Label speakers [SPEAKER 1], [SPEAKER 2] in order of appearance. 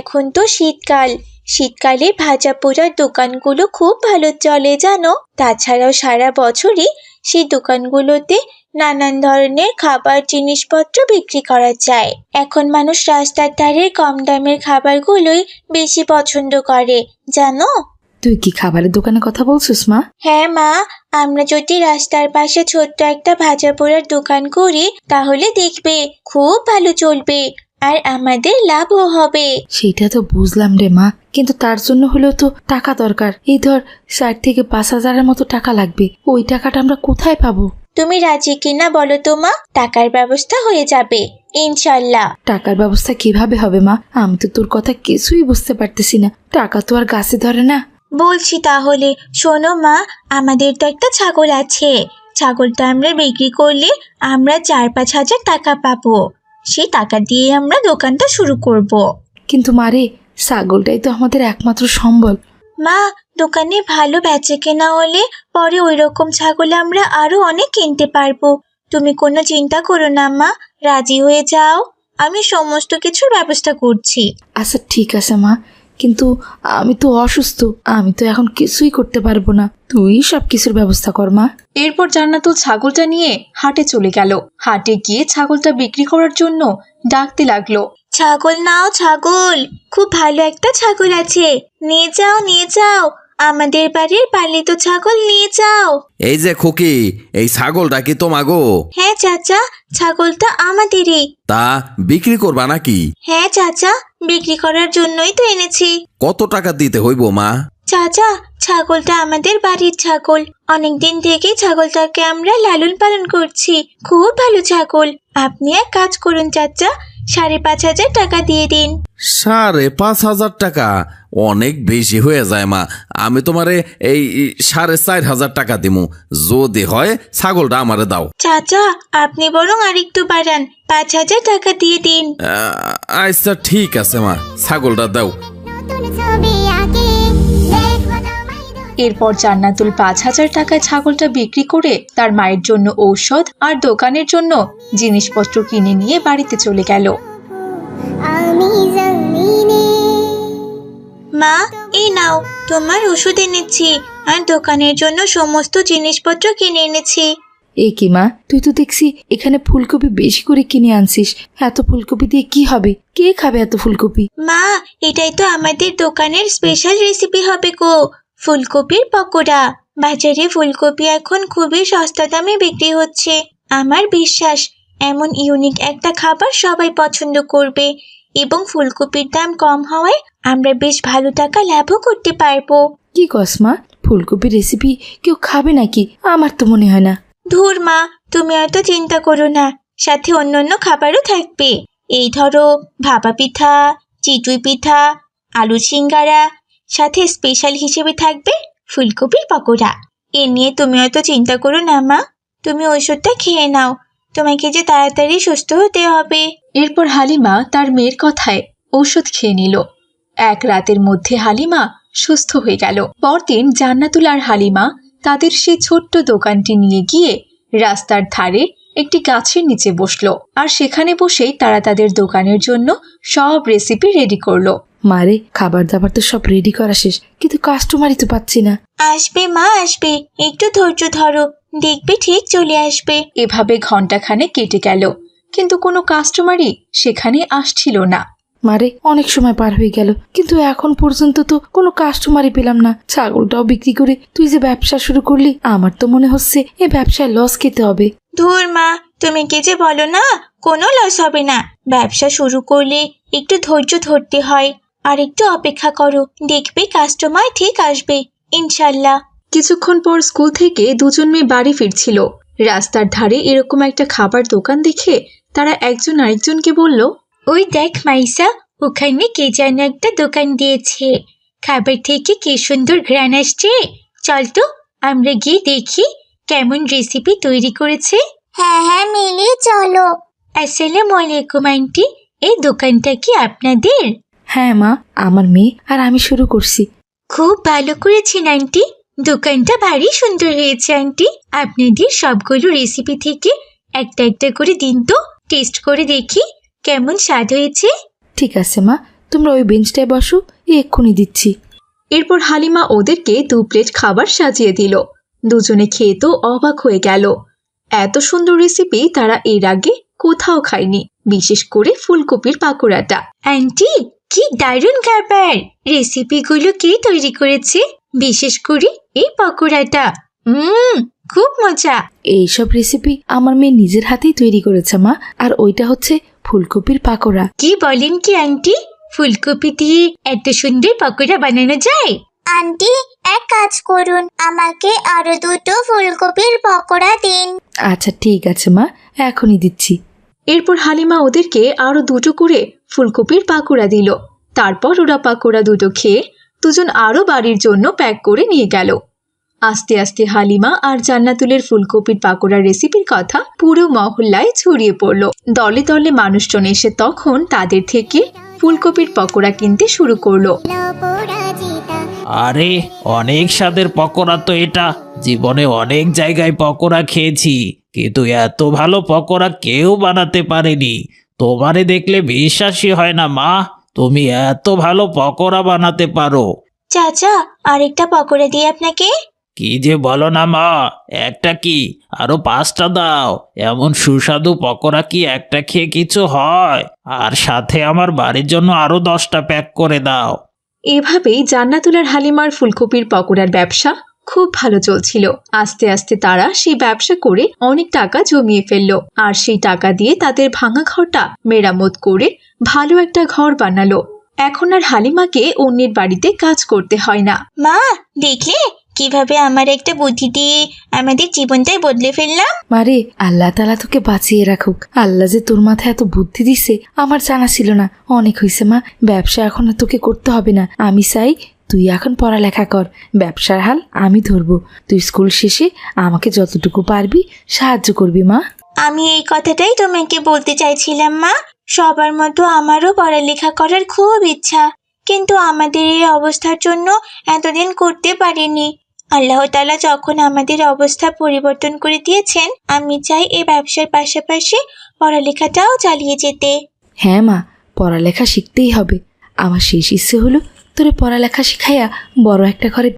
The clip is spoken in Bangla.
[SPEAKER 1] এখন তো শীতকাল, শীতকালে ভাজা পোড়ার দোকানগুলো খুব ভালো চলে জানো। তাছাড়াও সারা বছরই সেই দোকানগুলোতে নানান ধরনের খাবার জিনিসপত্র বিক্রি করা যায়। এখন মানুষ রাস্তার ধারের কম দামের খাবারগুলোই বেশি পছন্দ করে জানো।
[SPEAKER 2] তুই কি খাবারের দোকানের কথা বলছিস মা?
[SPEAKER 1] হ্যাঁ মা, আমরা যদি রাস্তার পাশে ছোট্ট একটা ভাজা পোড়ার দোকান করি তাহলে দেখবে খুব ভালো চলবে আর আমাদের লাভও হবে।
[SPEAKER 2] সেটা তো বুঝলাম রে মা, কিন্তু তার জন্য হলেও তো টাকা দরকার। এই ধর ৬০ থেকে ৫,০০০-এর মতো টাকা লাগবে। ওই টাকাটা আমরা কোথায় পাবো?
[SPEAKER 1] তুমি রাজি কিনা বলো তো মা, টাকার ব্যবস্থা হয়ে যাবে ইনশাল্লাহ।
[SPEAKER 2] টাকার ব্যবস্থা কিভাবে হবে মা? আমি তো তোর কথা কিছুই বুঝতে পারতেছি না। টাকা তো আর গাছে ধরে না।
[SPEAKER 1] বলছি তাহলে শোনো মা, আমাদের তো একটা ছাগল আছে। ছাগলটা আমরা বিক্রি করলে আমরা ৪-৫ হাজার টাকা পাবো। সেই টাকা দিয়ে আমরা দোকানটা শুরু করব।
[SPEAKER 2] কিন্তু মারে, ছাগলটাই তো আমাদের একমাত্র সম্বল।
[SPEAKER 1] মা, দোকানে ভালো বেচে কেনা হলে পরে ওই রকম ছাগল আমরা আরো অনেক কিনতে পারবো। তুমি কোনো চিন্তা করো না মা, রাজি হয়ে যাও, আমি সমস্ত কিছুর ব্যবস্থা করছি।
[SPEAKER 2] আচ্ছা ঠিক আছে মা, কিন্তু আমি তো অসুস্থ, আমি তো এখন কিছুই করতে পারবো না। তুই সব কিছুর ব্যবস্থা কর মা।
[SPEAKER 3] এরপর জান্নাতুল ছাগলটা নিয়ে হাটে চলে গেল। হাটে গিয়ে ছাগলটা বিক্রি করার জন্য ডাকতে লাগলো,
[SPEAKER 1] ছাগল নাও ছাগল, খুব ভালো একটা ছাগল আছে, নিয়ে যাও নিয়ে যাও, আমাদের বাড়ির পালিত ছাগল নিয়ে যাও।
[SPEAKER 4] এই যে খুকি, এই ছাগলটা কি তোমাগো?
[SPEAKER 1] হ্যাঁ চাচা, ছাগলটা আমাদেরই।
[SPEAKER 4] তা বিক্রি করবা নাকি?
[SPEAKER 1] হ্যাঁ চাচা, বিক্রি করার জন্যই তো এনেছি।
[SPEAKER 4] কত টাকা দিতে হইব মা?
[SPEAKER 1] চাচা, ছাগলটা আমাদের বাড়ির ছাগল, অনেকদিন থেকেই ছাগলটাকে আমরা লালন পালন করছি, খুব ভালো ছাগল। আপনি এক কাজ করুন চাচা, ৫,৫০০ টাকা দিয়ে দিন।
[SPEAKER 4] ৫,৫০০ টাকা অনেক বেশি হয়ে যায় মা। আমি তোমারে এই ৪,৫০০ টাকা দিমু, যদি হয় ছাগলটা আমারে দাও।
[SPEAKER 1] চাচা, আপনি বরং আরেকটু বাড়ান, ৫,০০০ টাকা দিয়ে দিন।
[SPEAKER 4] আচ্ছা ঠিক আছে মা, ছাগলটা দাও।
[SPEAKER 3] এরপর জান্নাতুল ৫,০০০ টাকায় ছাগলটা বিক্রি করে তার মায়ের জন্য ঔষধ আর দোকানের জন্য জিনিসপত্র কিনে নিয়ে বাড়িতে চলে গেল।
[SPEAKER 1] মা, এই নাও, তোমার ওষুধ এনেছি আর দোকানের জন্য সমস্ত জিনিসপত্র কিনে এনেছি।
[SPEAKER 2] এ কি মা, তুই তো দেখছি এখানে ফুলকপি বেশি করে কিনে আনছিস। এত ফুলকপি দিয়ে কি হবে? কে খাবে এত ফুলকপি?
[SPEAKER 1] মা, এটাই তো আমাদের দোকানের স্পেশাল রেসিপি হবে গো, ফুলকপির পকোড়া। বাজারে ফুলকপি এখন খুবই সস্তা দামে বিক্রি হচ্ছে। আমার বিশ্বাস এমন ইউনিক একটা খাবার সবাই পছন্দ করবে এবং ফুলকপির দাম কম হওয়ায় আমরা বেশ ভালো টাকা লাভও করতে পারবো।
[SPEAKER 2] কি কস মা, ফুলকপির রেসিপি কেউ খাবে নাকি? আমার তো মনে হয় না।
[SPEAKER 1] ধুর মা, তুমি এত চিন্তা করো না, সাথে অন্যান্য খাবারও থাকবে। এই ধরো ভাপা পিঠা, চিটুই পিঠা, আলু সিঙ্গারা, সাথে স্পেশাল হিসেবে থাকবে ফুলকপির পকোড়া। এ নিয়ে তুমি অত চিন্তা করো না মা, তুমি ওষুধটা খেয়ে নাও, তোমাকে যে তাড়াতাড়ি সুস্থ হতে হবে।
[SPEAKER 3] এরপর হালিমা তার মেয়ের কথায় ঔষধ খেয়ে নিল। এক রাতের মধ্যে হালিমা সুস্থ হয়ে গেল। পরদিন জান্নাতুল আর হালিমা তাদের সেই ছোট্ট দোকানটি নিয়ে গিয়ে রাস্তার ধারে একটি গাছের নিচে বসলো আর সেখানে বসেই তারা তাদের দোকানের জন্য সব রেসিপি রেডি করলো।
[SPEAKER 2] মারে, খাবার দাবার তো সব রেডি করা শেষ, কিন্তু কাস্টমারই তো পাচ্ছি না।
[SPEAKER 1] আসবে মা আসবে, একটু ধৈর্য ধরো, দেখবে ঠিক চলে আসবে।
[SPEAKER 3] এভাবে ঘন্টাখানেক কেটে গেল, কিন্তু কোনো কাস্টমারই সেখানে আসছিল না।
[SPEAKER 2] মারে, অনেক সময় পার হয়ে গেল, কিন্তু এখন পর্যন্ত তো কোনো কাস্টমারই পেলাম না। ছাগলটাও বিক্রি করে তুই যে ব্যবসা শুরু করলি, আমার তো মনে হচ্ছে এ ব্যবসায় লস খেতে হবে।
[SPEAKER 1] ধুর মা, তুমি কি যে বলো না, কোনো লস হবে না। ব্যবসা শুরু করলে একটু ধৈর্য ধরতে হয় আর একটু অপেক্ষা করো, দেখবে কাস্টমার ঠিক আসবে ইনশাল্লাহ।
[SPEAKER 3] কিছুক্ষণ পর স্কুল থেকে দুজন মেয়ে বাড়ি ফিরছিল। রাস্তার ধারে এরকম একটা খাবার দোকান দেখে তারা একজন আরেকজনকে বলল,
[SPEAKER 1] ওই দেখ মাইসা, ওখানে কে যেন একটা দোকান দিয়েছে, খাবার থেকে কি সুন্দর ঘ্রাণ আসছে। চল তো আমরা গিয়ে দেখি কেমন রেসিপি তৈরি করেছে। হ্যাঁ হ্যাঁ মিলি চলো। আসসালামু আলাইকুম আন্টি, এই দোকানটা কি আপনাদের?
[SPEAKER 2] হ্যাঁ মা, আমার মেয়ে আর আমি শুরু করছি।
[SPEAKER 1] খুব ভালো করেছেন আন্টি, দোকানটা ভারী সুন্দর হয়েছে আন্টি। আপনাদের সবগুলো রেসিপি থেকে একটা একটা করে দিন তো, টেস্ট করে দেখি কেমন স্বাদ হয়েছে।
[SPEAKER 2] ঠিক আছে মা, তোমরা ওই বেঞ্চটায় বসো, এক্ষুনি দিচ্ছি।
[SPEAKER 3] এরপর হালিমা ওদেরকে 2 প্লেট খাবার সাজিয়ে দিল। দুজনে খেয়ে তো অবাক হয়ে গেল। এত সুন্দর রেসিপি তারা এর আগে কোথাও খায়নি, বিশেষ করে ফুলকপির পাকোড়াটা।
[SPEAKER 1] আন্টি, কি দারুণ খাবার! রেসিপিগুলো কে তৈরি করেছে? বিশেষ করে এই পকোড়াটা। খুব মজা।
[SPEAKER 2] এইসব রেসিপি আমার মেয়ে নিজের হাতেই তৈরি করেছে মা, আর ওইটা হচ্ছে ফুলকপির পাকোড়া।
[SPEAKER 1] কি বলেন কি আন্টি? ফুলকপি দিয়ে এত সুন্দর পকোড়া বানানো যায়?
[SPEAKER 5] আন্টি, এক কাজ করুন, আমাকে আরো 2টো ফুলকপির পকোড়া দিন।
[SPEAKER 2] আচ্ছা ঠিক আছে মা, এখনই দিচ্ছি।
[SPEAKER 3] এরপর হালিমা ওদেরকে আরো 2টো করে ফুলকপির পাকোড়া দিল। তারপর ওরা পাকোড়া 2টো খেয়ে দুজন আরো বাড়ির জন্য প্যাক করে নিয়ে গেল। আস্তে আস্তে হালিমা আর জান্নাতুলের ফুলকপির পাকোড়ার রেসিপির কথা পুরো মহল্লায় ছড়িয়ে পড়ল। দলে দলে মানুষজন এসে তখন তাদের থেকে ফুলকপির পকোড়া কিনতে শুরু করলো।
[SPEAKER 6] আরে অনেক স্বাদের পকোড়া তো এটা। জীবনে অনেক জায়গায় পকোড়া খেয়েছি, কিন্তু এত ভালো পকোড়া কেউ বানাতে পারেনি। তোমারে দেখলে বিশ্বাসই হয় না মা, তুমি এত ভালো পকোড়া বানাতে পারো।
[SPEAKER 1] চাচা, আরেকটা পকোড়া দিই আপনাকে?
[SPEAKER 6] কি যে বলো না মা, একটা কি আরো 5টা দাও। এমন সুস্বাদু পকোড়া কি একটা খেয়ে কিছু হয়? আর সাথে আমার বাড়ির জন্য আরো 10টা প্যাক করে দাও।
[SPEAKER 3] এভাবেই জান্নাতুল আর হালিমার ফুলকপির পকোড়ার ব্যবসা খুব ভালো চলছিল। আস্তে আস্তে তারা সেই ব্যবসা করে অনেক টাকা জমিয়ে ফেললো, আর সেই টাকা দিয়ে তাদের ভাঙা ঘরটা মেরামত করে ভালো একটা ঘর বানালো। এখন আর হালিমাকে অন্যের বাড়িতে কাজ করতে হয় না।
[SPEAKER 1] মা, দেখলে কিভাবে আমার একটা বুদ্ধি দিয়ে আমাদের জীবনটাই বদলে ফেললাম?
[SPEAKER 2] মারে, আল্লাহ তাআলা তোকে বাঁচিয়ে রাখুক। আল্লাহ যে তোর মাথায় এত বুদ্ধি দিছে আমার জানা ছিল না। অনেক হয়েছে মা, ব্যবসা এখন আর তোকে করতে হবে না। আমি চাই তুই এখন পড়ালেখা কর, ব্যবসার হাল আমি ধরবো। তুই স্কুল শেষে আমাকে যতটুকু পারবি সাহায্য করবি মা।
[SPEAKER 1] আমি এই কথাটাই তোমাকে বলতে চাইছিলাম মা। সবার মতো আমারও পড়ালেখা করার খুব ইচ্ছা, কিন্তু আমাদের এই অবস্থার জন্য এতদিন করতে পারিনি। আল্লাহ তাআলা যখন আমাদের অবস্থা পরিবর্তন করে দিয়েছেন, আমি চাই এই ব্যবসার পাশাপাশি পড়ালেখাটাও চালিয়ে যেতে।
[SPEAKER 2] হ্যাঁ মা, পড়ালেখা শিখতেই হবে। আমার শেষ ইচ্ছে হলো তোরে পড়ালেখা শিখাইয়া বড় একটা ঘরে